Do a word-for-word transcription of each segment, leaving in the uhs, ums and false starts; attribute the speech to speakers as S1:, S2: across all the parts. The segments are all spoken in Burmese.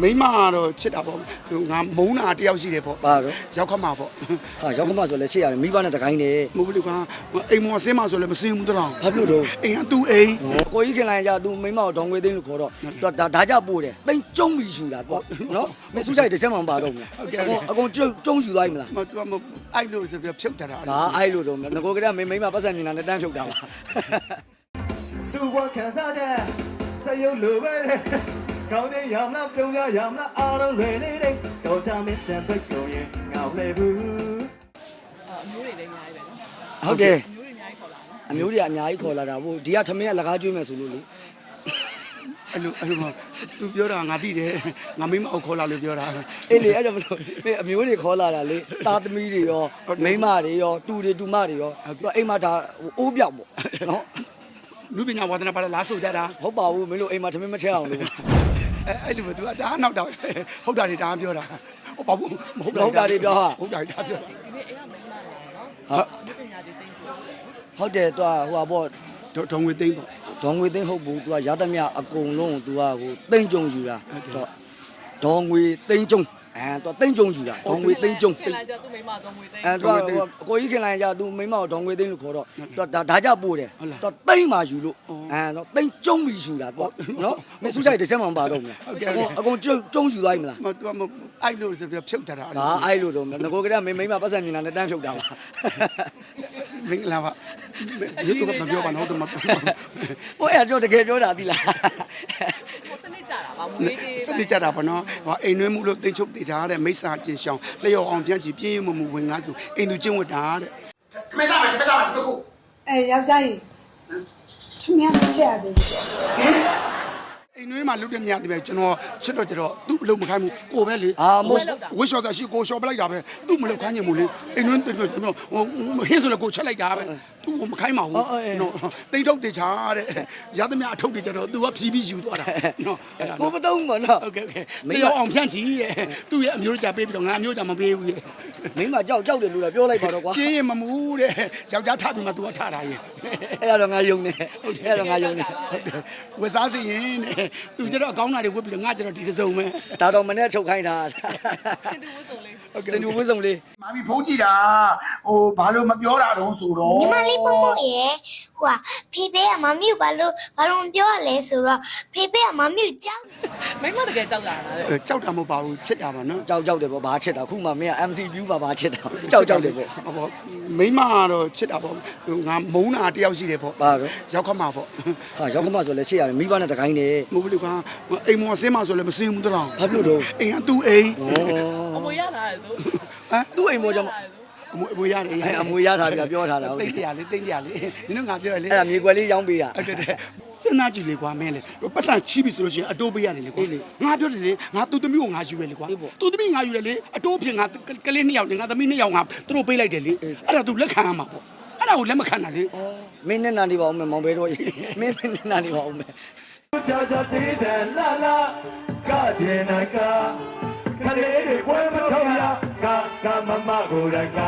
S1: မိမကတော့ချစ်တာပေါ့ငါမုန်းတာတယောက်ရှိတယ်ပေါ့ပါတော့ရောက်ခမပေါ့ဟာရောက်ခမဆိုလဲချစ်ရတယ်မိဘနဲ့တကိုင်းတယ်မဟုတ်ဘူးကွာအိမ်မော်ဆင်းမဆိုလဲမစင်းဘူးတလားဘာလို့တော့အိမ်ကသူ့အိမ်ကိုကြီးခင်လိုက်ကြသူမိမကိုဒေါငွေသိန်းလို့ခေါ်တော့ဒါဒါကြပို့တယ်တိန်ကျုံပြီးယူတာပေါ့နော်မင်းစူးချိုက်တစ်ချက်မှမပါတော့ဘူးဟုတ်ကဲ့အကုန်ကျုံကျုံယူသွားပြီမလားမသူကအဲ့လိုဆိုပြဖြုတ်တာဒါအဲ့လိုတော့ငကိုကလေးကမိမပတ်စံမြင်တာနဲ့တန်းဖြုတ်တာပါ
S2: သူ့ဘဝခံစားချက်စရုပ်လိုပဲကောင်းတဲ့ရောင်လားပြုံးရရောင်လားအားလုံးလွယ်လေးလေးတော့ချမင်းတန်ပိတ်ကုန်ရင်ငေါလေဘူး
S3: အမျိုးတွေလည်းအများကြီးပဲနော်
S1: ဟုတ်တယ်
S3: အမျိုးတွေအများကြီးခေါ်လာ
S1: အမျိုးတွေအများကြီးခေါ်လာတာဟိုဒီကထမင်းကလကားကျွေးမယ်ဆိုလို့လေအဲ့လိုအဲ့လိုမသူပြောတာငါသိတယ်ငါမိမအုပ်ခေါ်လာလို့ပြောတာအေးလေအဲ့တော့မလို့အမျိုးတွေခေါ်လာတာလေတာသမီးတွေရောမိမတွေရောတူတွေတူမတွေရောသူအိမ်မှာဒါအိုးပြောက်ပေါ့နော်လူပညာဝါသနာပါလားဆိုကြတာဟုတ်ပါဘူးမင်းတို့အိမ်မှာထမင်းမထည့်အောင်လို့အဲအဲ့လိုပဲသူကဒါနောက်တော့ဟုတ်တာတွေဒါပြောတာဟုတ်ပါဘူးမဟုတ်တာတွေပြောဟာဟုတ်တာတွေဒါပြောတာ
S3: ဒီနေ့အိမ်ကမိန်းမလာနော်ဟုတ်ပညာတွေသိဖို့
S1: ဟုတ်တယ်သူကဟိုပါပေါ့ဒေါငွေသိန်းပေါ့ဒေါငွေသိန်းဟုတ်ဘူးသူကရသမျှအကုန်လုံးသူကဟိုသိန်းကြုံယူတာတော့ဒေါငွေသိန်းကြုံအဲသူသိန်းကြုံယူတာဒေါငွေသိန်းကြုံ
S3: ခင်လိုက်ကြသူမိန်းမဒေါငွေသိန်း
S1: အဲသူကကိုကြီးခင်လိုက်ကြသူမိန်းမကိုဒေါငွေသိန်းလို့ခေါ်တော့ဒါဒါကြပို့တယ်သူသိန်းမှယူလို့အဲတော့သိန်းကြုံပြီးယူတာပေါ့နော်မင်းစူးချိုက်တစ်ချက်မှမပါတော့ဘူးလားအကုန်ကျုံကျုံယူသွားပြီမလားမသူကအဲ့လိုဆိုပြဖြုတ်တာဒါအဲ့လိုတော့ငကိုကလေးကမိန်းမပတ်စံမြင်တာနဲ့တန်းဖြုတ်တာပါမင်္ဂလာပါရေတော့မပြောပါနဲ့ဟုတ်တယ်မဟိုအဲ့တော့တကယ်ပြောတာသီလား
S3: စနစ်ကြတာပါမွေးသေး
S1: စနစ်ကြတာပါနော်ဟိုအိမ်နှွေးမှုလို့တင်ချုပ်တည်ထားတဲ့မိစ္ဆာကျင်ရှောင်းလျော်အောင်ပြန်ကြည့်ပြင်းရမှုဝင်ငါစုအိမ်သူချင်းဝတ်တာတဲ့မိစ္ဆာမမိစ္ဆာမတခု
S4: အဲယောက်ျားကြီးသူများမချက်ရတယ်
S1: အိမ်နှွေးမှာလုတ်တဲ့မြတ်တယ်ပဲကျွန်တော်ချစ်တော့ကျတော့သူ့မလုပ်မခိုင်းဘူးကိုပဲလေအာမို့ဝှရှော့တာရှိကိုရှော့ပလိုက်တာပဲသူ့မလုပ်ခိုင်းညင်ဘူးလေအိမ်နှွေးတင်တော့ကျွန်တော်ဟိုဟင်းဆိုလည်းကိုချက်လိုက်တာပဲသူ့မခိုင်းပါဘူးနော်တိတ်ထုတ်တေချာတဲ့ရသမျှအထုတ်တွေကျတော့ तू ကဖြီးပြီးယူသွားတာနော်ကိုမတုံးပါနော်ဟုတ်ကဲ့ဟုတ်ကဲ့မင်းအောင်ဖြန့်ချီရဲ့သူ့ရဲ့အမျိုးကြပေးပြီးတော့ငါအမျိုးကြမပေးဘူးရဲ့မင်းမကြောက်ကြောက်တယ်လို့ပြောလိုက်ပါတော့ကွာပြင်းရင်မမူးတဲ့ယောက်ျားထပြီးမှ तू ကထတာရဲ့အဲ့ဒါတော့ငါယုံနေဟုတ်တယ်အဲ့ဒါငါယုံနေဟုတ်တယ်ဝစားစီရင်တဲ့ तू ကျတော့အကောင်းတာတွေဝတ်ပြီးတော့ငါကျတော့ဒီတစ်စုံပဲဒါတော့မနဲ့ချုပ်ခိုင်းတာစင်တူဝတ်စုံလေးဟုတ်ကဲ့စင်တူဝတ်စုံလေးမာမီဖုန်းကြည့်တာဟိုဘာလို့မပြောတာတော့ဆိုတော့
S5: ညီမလေးပုံပုံရဲ့ဟိုကဖေဖေကမမီကိုဘာလို့ဘာလို့မပြောရလဲဆိုတော့ဖေဖေကမမီကိုကြောက်
S3: မိန်းမတကယ်ကြောက်လာတာလေ
S1: ကြောက်တာမဟုတ်ပါဘူးချစ်တာပါနော်ကြောက်ကြောက်တယ်ပေါ့ဘာချစ်တာခုမှမင်းက M C view ပါဘာချစ်တာကြောက်ကြောက်တယ်ပေါ့ဟုတ်မိန်းမကတော့ချစ်တာပေါ့ငါမုန်းတာတယောက်ရှိတယ်ပေါ့ပါတော့ရောက်ခမပေါ့ဟာရောက်ခမဆိုလဲချစ်ရတယ်မိဘနဲ့တကိုင်းတယ်မဟုတ်ဘူးကွာအိမ်မော်ဆင်းမဆိုလဲမစင်းဘူးတလားဘာလို့တော့အိမ်ကသူ့အိမ်
S3: အမွေရလာတယ်သူ
S1: ဟမ်သူ့အိမ်မော်ကြောင့်အမွေအမွေရတယ်အမွေရထားပြီပြောထားတာဟုတ်တယ်တိတ်တရားလေးတိတ်တရားလေးနင်တို့ငါပြောရလေအဲ့ဒါမြေကွယ်လေးရောင်းပေးတာဟုတ်တယ်စဉ်းစားကြည့်လေကွာမင်းလေပတ်စံချီးပြီဆိုလို့ရှိရင်အတိုးပေးရတယ်လေကွာငါပြောတယ်လေငါသူ့သမီးကိုငါယူရလေကွာသူ့သမီးငါယူရလေအတိုးဖြစ်ငါကလေးနှစ်ယောက်ငါသမီးနှစ်ယောက်ငါသူတို့ပေးလိုက်တယ်လေအဲ့ဒါသူလက်ခံရမှာပေါ့အဲ့ဒါကိုလက်မခံတာလေမင်းနဲ့နာနေပါဦးမယ်မောင်ဘဲတော့မင်းနဲ့နာနေပါဦးမယ်
S2: ကြာကြာတေးတယ်လာလာကကျင်နိုင်ကခလေးတွေပွဲမထောက်ရကကမမကိုရက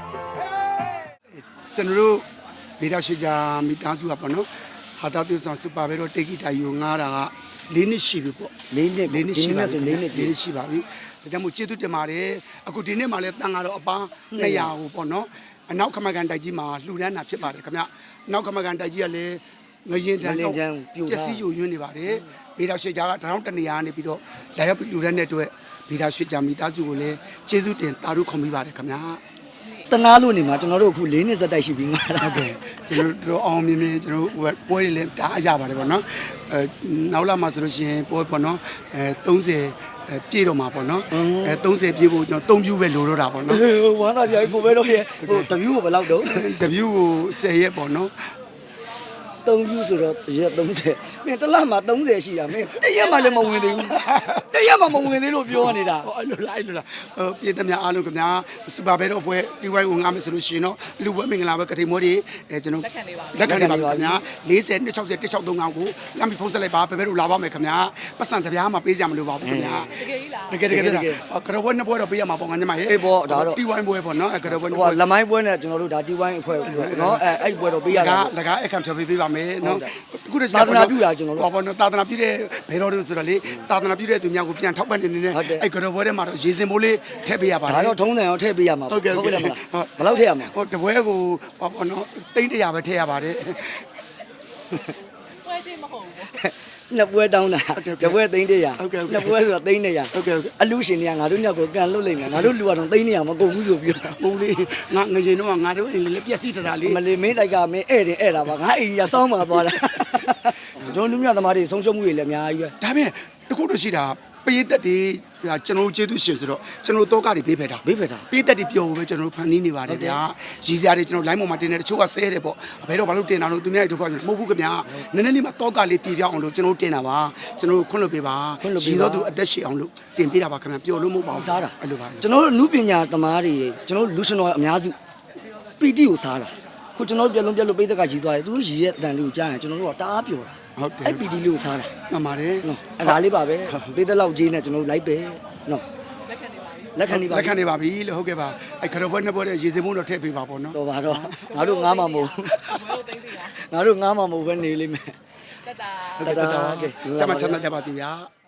S1: ကျွန်တော်တို့ဒေတာရှိကြမိသားစုကပေါ့နော်ဟာတာပြုဆောင်စူပါဘဲတော့တေဂီတာယူငားတာက၄နှစ်ရှိပြီပေါ့၄နှစ်၄နှစ်ရှိပါဆို၄နှစ်၄နှစ်ရှိပါပြီဒါကြောင့်မို့ကျေးဇူးတင်ပါတယ်အခုဒီနေ့မှလည်းတန်ကတော့အပန်းနှစ်ရာဟိုပေါ့နော်အနောက်ခမကန်တိုက်ကြီးမှာလှူဒန်းတာဖြစ်ပါတယ်ခင်ဗျနောက်ခမကန်တိုက်ကြီးကလည်းငရင်တန်းတော့ပျက်စီးယူရင်းနေပါတယ်ဘေးတော်ရှိကြကတောင်းတနေရာနေပြီးတော့လာရောက်ပြီးလှူဒန်းတဲ့အတွက်ဘေးတော်ရှိကြမိသားစုကိုလည်းကျေးဇူးတင်တာတို့ခွန်ပေးပါတယ်ခင်ဗျတနာလို့နေမှာကျွန်တော်တို့အခု၄နှစ်စက်တိုက်ရှိပြီးငါဟုတ်တယ်ကျွန်တော်တို့အောင်မြင်မြင်ကျွန်တော်တို့ပွဲတွေလည်းတားရပါတယ်ပေါ့နော်အဲနောက်လာမှဆိုလို့ရှိရင်ပွဲပေါ့နော်အဲ၃၀အဲပြေတော့မှာပေါ့နော်အဲ၃၀ပြေဖို့ကျွန်တော်၃ပြူပဲလိုတော့တာပေါ့နော်ဝမ်းသာစရာကြီးကိုပဲတော့ရဲ့ဟိုတပြူကိုဘယ်လောက်တော့တပြူကို၁၀ရက်ပေါ့နော်သုံးပြူဆိုတော့ရက်၃၀မင်းတစ်လမှာ၃၀ရှိတာမင်းတရက်မှလည်းမဝင်သေးဘူးတရက်မှမဝင်သေးလို့ပြောနေတာဟောအဲ့လိုလားအဲ့လိုလားဟိုပြည်သမျှအားလုံးခင်ဗျာစူပါဘဲတော့ဘွဲတီဝိုင်းကိုငားမယ်ဆိုလို့ရှိရင်တော့လူဘွဲမင်္ဂလာဘွဲကတိမိုးတွေအဲကျွန်တော်လက်ခံနေပါလက်ခံနေပါခင်ဗျာ၄၀ ၂၆၀ ၁၆၃၅ကိုလမ်းပြီးဖုန်းဆက်လိုက်ပါဘဲဘဲတို့လာပါမယ်ခင်ဗျာပတ်စံတပြားမှပေးကြမလို့ပါဘူးခင်ဗျာတကယ်ကြီးလားတကယ်တကယ်ပြတာကရဘွဲနှစ်ဘွဲတော့ပေးရမှာပေါ့ငါညမရေအေးပေါ့ဒါတော့တီဝိုင်းဘွဲပေါ့နော်အဲကရဘွဲနှစ်ဘွဲလမိုင်းဘွဲနဲ့ကျွန်တော်တို့ဒါတီဝိုင်းအဖွဲ့နော်အဲအဲ့ဘွဲတော့ပေးရတာလကားအခမ်းဖြော်ပေးပေးပါမယ်မယ်နော်အခုတည်း
S6: သာသနာပြုတာကျွန်တော်တို့
S1: ဟောပေါ့နော်သာသနာပြုတဲ့ဘယ်တော်တို့ဆိုတော့လေသာသနာပြုတဲ့သူများကိုပြန်ထောက်ပံ့နေနေနဲ့အဲ့ကတော့ဘွဲထဲမှာတော့ရေစင်ပိုးလေးထည့်ပေးရပါတ
S6: ဒါ
S1: ယ်
S6: တော့ထုံးတယ်အောင်ထည့်ပေးရမှာ
S1: ဟုတ်ကဲ့ဟုတ်
S6: ဟုတ်
S1: ကဲ့
S6: ကဲ့မလားဘယ်လောက်ထည့်ရမှာ
S1: ဟိုတပွဲကိုဟောပေါ့နော်တိန့်တရာပဲထည့်ရပါတယ်
S3: ပွဲချင်းမဟုတ်ဘူးပေါ့
S6: နှစ်ပွဲတောင်းတာတစ်ပွဲသိန်းတရာ
S1: ဟုတ်ကဲ့ဟုတ်ကဲ့
S6: နှစ်ပွဲဆိုတော့သိန်းတရာ
S1: ဟုတ်ကဲ့ဟုတ်ကဲ့
S6: အလူရှင်တွေကငါတို့ညောက်ကိုကန်လွတ်လိုက်မယ်ငါတို့လူကတော့သိန်းတရာမကုန်ဘူးဆိုပြီးတော့
S1: မုံလေးငါငရင်တော့ငါတို့အိမ်လေးပြက်စီးတတာလေး
S6: မလီမင်းတိုက်ကမင်းဧည့်တယ်ဧည့်တာပါငါအိမ်ကြီးဆောင်းမှာသွားတာကျွန်တော်လူမျိုးသမားတွေဆုံးရှုံးမှုတွေလည်းအများကြီးပဲ
S1: ဒါပြင်တခုတော့ရှိတာပရိသတ်တွေကျွန်တော်ကျေးဇူးရှင်ဆိုတော့ကျွန်တော်တော့ကတွေပေးဖက်တာ
S6: ဘေးဖက်တာ
S1: ပရိသတ်တွေပြောဖို့ပဲကျွန်တော်ဖန်တီးနေပါတယ်ဗျာရည်စရာတွေကျွန်တော် line ပေါ်မှာတင်နေတချို့ကဆဲတယ်ပေါ့ဘယ်တော့ဘာလို့တင်တာလို့သူများတွေတို့ကမဟုတ်ဘူးခင်ဗျာနည်းနည်းလေးမှတော့ကလေးပြေပြောင်းအောင်လို့ကျွန်တော်တင်တာပါကျွန်တော်ခွင့်လွှတ်ပေးပါရည်တော့သူအသက်ရှည်အောင်လို့တင်ပေးတာပါခင်ဗျာပြောလို့မဟုတ်ပါဘူး
S6: စားတာ
S1: အဲ့လိုပါ
S6: ကျွန်တော်တို့လူပညာသမားတွေကျွန်တော်တို့လူရှင်တော်အများစုပီတိကိုစားတာခုကျွန်တော်တို့ပြလုံးပြလို့ပိတ်သက်ကကြီးသွားတယ်သူတို့ရည်ရဲ့အတန်လေးကိုကြားရင်ကျွန်တော်တို့ကတအားပျော်တာ
S1: ဟုတ်တယ်
S6: အဲ့ပီတီလေးကိုစားတာ
S1: မှန်ပါတယ်
S6: နော်အဲ့ဒါလေးပါပဲပေးတဲ့လောက်ကြီးနဲ့ကျွန်တော်တို့လိုက်ပဲနော်
S3: လက်ခံနေပါပြီ
S6: လက်ခံနေပါ
S1: လက်ခံနေပါပြီလို့ဟုတ်ကဲ့ပါအဲ့ခရဘွဲ့နှစ်ဘွဲ့တဲ့ရေစင်မုန်းတော့ထည့်ပေးပါပေါ့နော်
S6: တော့ပါတော့ငါတို့ငားမှာမဟုတ်
S3: ဘယ်လိုသိသိလား
S6: ငါတို့ငားမှာမဟုတ်ပဲနေလိမ့်မယ်
S3: တက်တာ
S6: တတားကဲ
S1: ကျမချမ်းသာကြပါစေဗျာ